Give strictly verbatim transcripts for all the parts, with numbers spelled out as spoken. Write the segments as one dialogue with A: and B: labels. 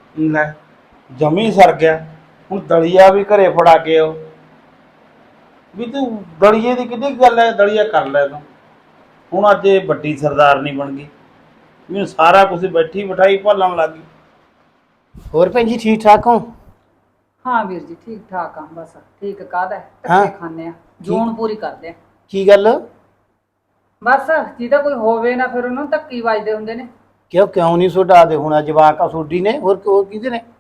A: ਲੈ ਜਮੀ ਸਰ ਗਿਆ। ਹੁਣ ਦਲੀਆ ਵੀ ਘਰੇ ਫੜਾ ਕੇ ਆਓ ਵੀ ਤੂੰ ਦਲੀਏ ਦੀ ਕਿੱਡੀ ਗੱਲ ਹੈ, ਦਲੀਆ ਕਰ ਲੈ ਤੂੰ। ਹੁਣ ਅੱਜ ਇਹ ਵੱਡੀ ਸਰਦਾਰਨੀ ਬਣ ਗਈ, ਮੈਨੂੰ ਸਾਰਾ ਕੁਝ ਬੈਠੀ ਬਿਠਾਈ ਭਾਲਣ ਲੱਗ ਗਈ।
B: ਹੋਰ ਭੈਣ ਜੀ ਠੀਕ ਠਾਕ ਹੋ?
C: हाँ वीर जी ठीक ठाक हाँ बस ठीक काहदा
B: हाँ।
C: धक्के खाने आ जोन पूरी करदे आ
B: की गल?
C: बस जिहदा कोई होवे ना फिर उन्होंने धक्की वजदे हुंदे ने।
B: क्यों क्यों नहीं सोडा दे हुणा जवाक आ सोडी ने और को किदे ने?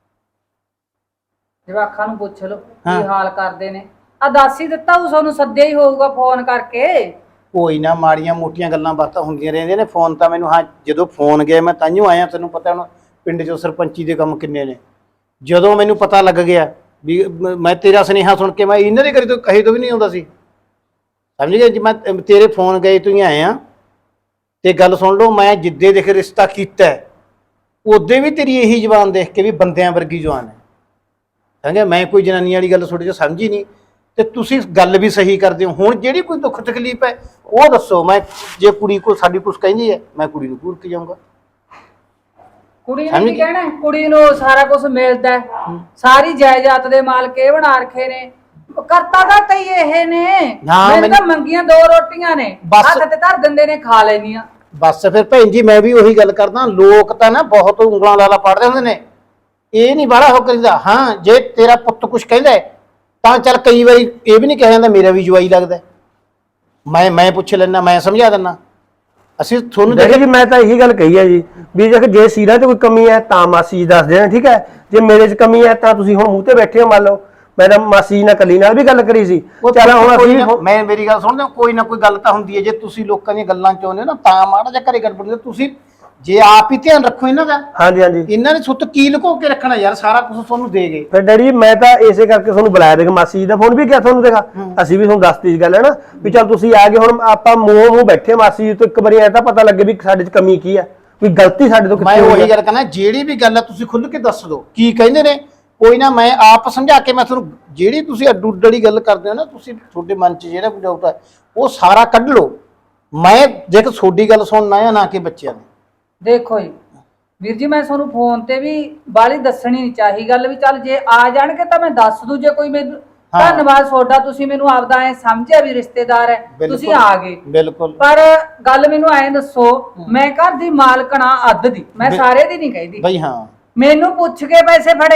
C: जवाखां नूं पुछ लो
B: हाँ।
C: की हाल करदे ने। आ दस ही दित्ता उ सोनू सद्दे ही होऊगा फोन करके।
B: कोई ना माड़ियां मोटियां गल्लां बातां हुंदियां रहिंदियां ने। फोन तां मैनूं हां जदों फोन गए मैं ताइयों आया, तैनूं पता हुण पिंड चों सरपंची दे काम किन्ने ने। ਜਦੋਂ ਮੈਨੂੰ ਪਤਾ ਲੱਗ ਗਿਆ ਵੀ ਮੈਂ ਤੇਰਾ ਸੁਨੇਹਾ ਸੁਣ ਕੇ ਮੈਂ ਇਹਨਾਂ ਦੇ ਘਰੇ ਤੋਂ ਕਹੇ ਤੋਂ ਵੀ ਨਹੀਂ ਆਉਂਦਾ ਸੀ, ਸਮਝ ਗਏ ਜੀ। ਮੈਂ ਤੇਰੇ ਫੋਨ ਗਏ ਤੂੰ ਹੀ ਆਏ ਆ ਤੇ ਗੱਲ ਸੁਣ ਲਓ, ਮੈਂ ਜਿੱਦੇ ਦੇਖ ਰਿਸ਼ਤਾ ਕੀਤਾ ਉਹਦੇ ਵੀ ਤੇਰੀ ਇਹੀ ਜ਼ਬਾਨ ਦੇਖ ਕੇ ਵੀ ਬੰਦਿਆਂ ਵਰਗੀ ਜਵਾਨ ਹੈ, ਸਮਝਿਆ। ਮੈਂ ਕੋਈ ਜਨਾਨੀ ਵਾਲੀ ਗੱਲ ਤੁਹਾਡੇ 'ਚ ਸਮਝੀ ਨਹੀਂ ਤੇ ਤੁਸੀਂ ਗੱਲ ਵੀ ਸਹੀ ਕਰਦੇ ਹੋ। ਹੁਣ ਜਿਹੜੀ ਕੋਈ ਦੁੱਖ ਤਕਲੀਫ ਹੈ ਉਹ ਦੱਸੋ। ਮੈਂ ਜੇ ਕੁੜੀ ਕੋਲ ਸਾਡੀ ਕੁਛ ਕਹਿੰਦੀ ਹੈ ਮੈਂ ਕੁੜੀ ਨੂੰ ਪੂਰ ਕੇ ਜਾਊਂਗਾ।
C: ਕੁੜੀ ਨੇ ਕੀ ਕਹਿਣਾ? ਕੁੜੀ ਨੂੰ ਸਾਰਾ ਕੁਝ ਮਿਲਦਾ, ਸਾਰੀ ਜਾਇਦਾਦ ਦੇ ਮਾਲਕ ਇਹ ਬਣਾ ਰੱਖੇ ਨੇ। ਕਰਤਾ ਦਾ ਤਈ ਇਹ ਨੇ ਮੈਨੂੰ ਤਾਂ ਮੰਗੀਆਂ ਦੋ ਰੋਟੀਆਂ ਨੇ ਹੱਥ ਤੇ ਧਰ ਦਿੰਦੇ ਨੇ, ਖਾ ਲੈਣੀਆਂ
B: ਬਸ। ਫਿਰ ਭੈਣ ਜੀ ਮੈਂ ਵੀ ਉਹੀ ਗੱਲ ਕਰਦਾ, ਲੋਕ ਤਾਂ ਨਾ ਬਹੁਤ ਉਂਗਲਾਂ ਲਾਲਾ ਪੜਦੇ ਹੁੰਦੇ ਨੇ, ਇਹ ਨਹੀਂ ਬਾਹਲਾ ਹੋ ਕਰੀਦਾ। ਹਾਂ ਜੇ ਤੇਰਾ ਪੁੱਤ ਕੁਛ ਕਹਿੰਦਾ ਤਾਂ ਚੱਲ, ਕਈ ਵਾਰੀ ਇਹ ਵੀ ਨਹੀਂ ਕਹਿ ਜਾਂਦਾ ਮੇਰਾ ਵੀ ਜਵਾਈ ਲੱਗਦਾ, ਮੈਂ ਮੈਂ ਪੁੱਛ ਲੈਣਾ, ਮੈਂ ਸਮਝਾ ਦਿੰਦਾ। ਅਸੀਂ ਤੁਹਾਨੂੰ
D: ਦੇਖੋ ਜੀ ਮੈਂ ਤਾਂ ਇਹੀ ਗੱਲ ਕਹੀ ਹੈ ਜੀ ਵੀ ਜੇ ਸੀਰਾ 'ਚ ਕੋਈ ਕਮੀ ਹੈ ਤਾਂ ਮਾਸੀ ਜੀ ਦੱਸ ਦੇਣ, ਠੀਕ ਹੈ। ਜੇ ਮੇਰੇ 'ਚ ਕਮੀ ਹੈ ਤਾਂ ਤੁਸੀਂ ਹੁਣ ਮੂੰਹ ਤੇ ਬੈਠੇ ਹੋ, ਮੰਨ ਲਓ ਮੈਂ ਤਾਂ ਮਾਸੀ ਜੀ ਨਾਲ ਕੱਲੀ ਨਾਲ ਵੀ ਗੱਲ ਕਰੀ ਸੀ। ਚੱਲ ਹੁਣ ਅਸੀਂ
B: ਮੈਂ ਮੇਰੀ ਗੱਲ ਸੁਣਦੇ, ਕੋਈ ਨਾ ਕੋਈ ਗੱਲ ਤਾਂ ਹੁੰਦੀ ਹੈ। ਜੇ ਤੁਸੀਂ ਲੋਕਾਂ ਦੀਆਂ ਗੱਲਾਂ ਚਾਹੁੰਦੇ ਹੋ ਨਾ ਤਾਂ ਮਾੜਾ ਜਿਹਾ ਘਰੇ ਗੜਬੜ, ਤੁਸੀਂ ਜੇ ਆਪ ਹੀ ਧਿਆਨ ਰੱਖੋ ਇਹਨਾਂ ਦਾ। ਹਾਂਜੀ ਹਾਂਜੀ ਇਹਨਾਂ ਨੇ ਸੁੱਤ ਕੀ ਲੁਕੋ ਕੇ ਰੱਖਣਾ ਯਾਰ, ਸਾਰਾ ਕੁਝ ਤੁਹਾਨੂੰ ਦੇ ਗਏ।
D: ਫਿਰ ਡੈਡੀ ਮੈਂ ਤਾਂ ਇਸੇ ਕਰਕੇ ਤੁਹਾਨੂੰ ਬੁਲਾਇਆ, ਦੇਖ ਮਾਸੀ ਜੀ ਦਾ ਫੋਨ ਵੀ ਕਿਹਾ ਤੁਹਾਨੂੰ, ਦੇਖਾ ਅਸੀਂ ਵੀ ਤੁਹਾਨੂੰ ਦੱਸਤੀ ਗੱਲ ਹੈ ਨਾ ਵੀ ਚੱਲ ਤੁਸੀਂ ਆ ਗਏ। ਹੁਣ ਆਪਾਂ ਮੂੰਹ ਮੂੰਹ ਬੈਠੇ ਮਾਸੀ ਜੀ ਤੋਂ ਇੱਕ ਵਾਰੀ ਐ ਤਾਂ ਪਤਾ ਲੱਗੇ ਵੀ ਸਾਡੇ 'ਚ ਕਮੀ ਕੀ ਹੈ, ਕੋਈ ਗਲਤੀ ਸਾਡੇ ਤੋਂ
B: ਮੈਂ ਉਹੀ ਗੱਲ ਕਰਨਾ, ਜਿਹੜੀ ਵੀ ਗੱਲ ਹੈ ਤੁਸੀਂ ਖੁੱਲ੍ਹ ਕੇ ਦੱਸ ਦਿਓ ਕੀ ਕਹਿੰਦੇ ਨੇ। ਕੋਈ ਨਾ ਮੈਂ ਆਪ ਸਮਝਾ ਕੇ ਮੈਂ ਤੁਹਾਨੂੰ, ਜਿਹੜੀ ਤੁਸੀਂ ਅੱਡੂ ਅੱਡੜੀ ਗੱਲ ਕਰਦੇ ਹੋ ਨਾ, ਤੁਸੀਂ ਤੁਹਾਡੇ ਮਨ 'ਚ ਜਿਹੜਾ ਕੁਝ ਆਉਂਦਾ ਉਹ ਸਾਰਾ ਕੱਢ ਲਓ। ਮੈਂ ਦੇਖ ਤੁਹਾਡੀ ਗੱਲ ਸੁਣਨਾ ਆ ਨਾ ਕਿ ਬੱਚਿਆਂ ਦੀ।
C: ਦੇਖੋ ਜੀ ਵੀਰ ਜੀ ਮੈਂ ਤੁਹਾਨੂੰ ਫੋਨ ਤੇ ਵੀ ਬਾਲੀ ਦੱਸਣੀ ਨਹੀਂ ਚਾਹੀ ਗੱਲ, ਵੀ ਚੱਲ ਜੇ ਆ ਜਾਣਗੇ ਤਾਂ ਮੈਂ ਦੱਸ ਦੂ। ਜੇ ਕੋਈ ਮੈਨੂੰ ਧੰਨਵਾਦ ਤੁਹਾਡਾ, ਤੁਸੀਂ ਮੈਨੂੰ ਆਪਦਾ ਐ ਸਮਝਿਆ ਵੀ ਰਿਸ਼ਤੇਦਾਰ ਹੈ, ਤੁਸੀਂ ਆ ਗਏ। ਬਿਲਕੁਲ। ਪਰ ਗੱਲ ਮੈਨੂੰ ਐ ਦੱਸੋ, ਮੈਂ ਘਰ ਦੀ ਮਾਲਕਣਾ ਅੱਧ ਦੀ, ਮੈਂ ਸਾਰੇ ਦੀ ਨਹੀਂ ਕਹਿੰਦੀ
B: ਬਈ। ਹਾਂ
C: ਮੈਨੂੰ ਪੁੱਛ ਕੇ ਪੈਸੇ ਫੜੇ,